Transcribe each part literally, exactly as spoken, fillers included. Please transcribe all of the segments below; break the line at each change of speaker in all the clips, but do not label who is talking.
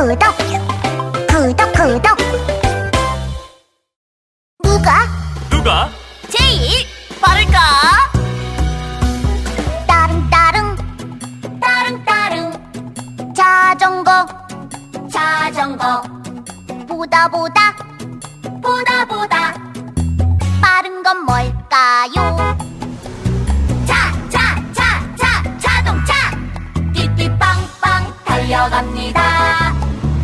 구독 구독 구독. 누가
누가
제일 빠를까?
따릉따릉
따릉따릉
자전거
자전거
보다 보다
보다 보다
빠른 건 뭘까요?
자 자 자 자 자동차 띠띠빵빵 달려갑니다.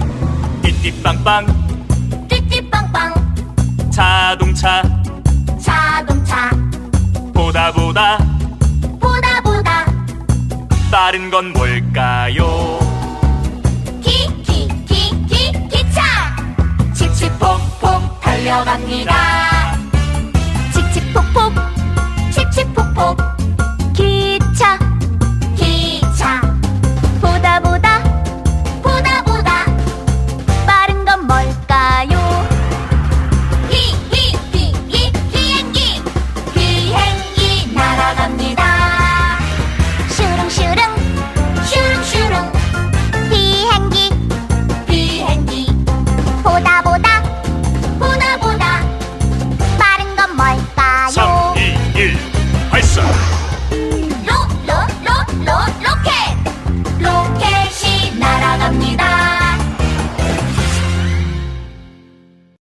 띠띠빵빵
띠띠빵빵
자동차
자동차
보다 보다
보다 보다
빠른 건 뭘까요?
기 기 기 기 기차 칙칙폭폭 달려갑니다. 칙칙폭폭 칙칙폭폭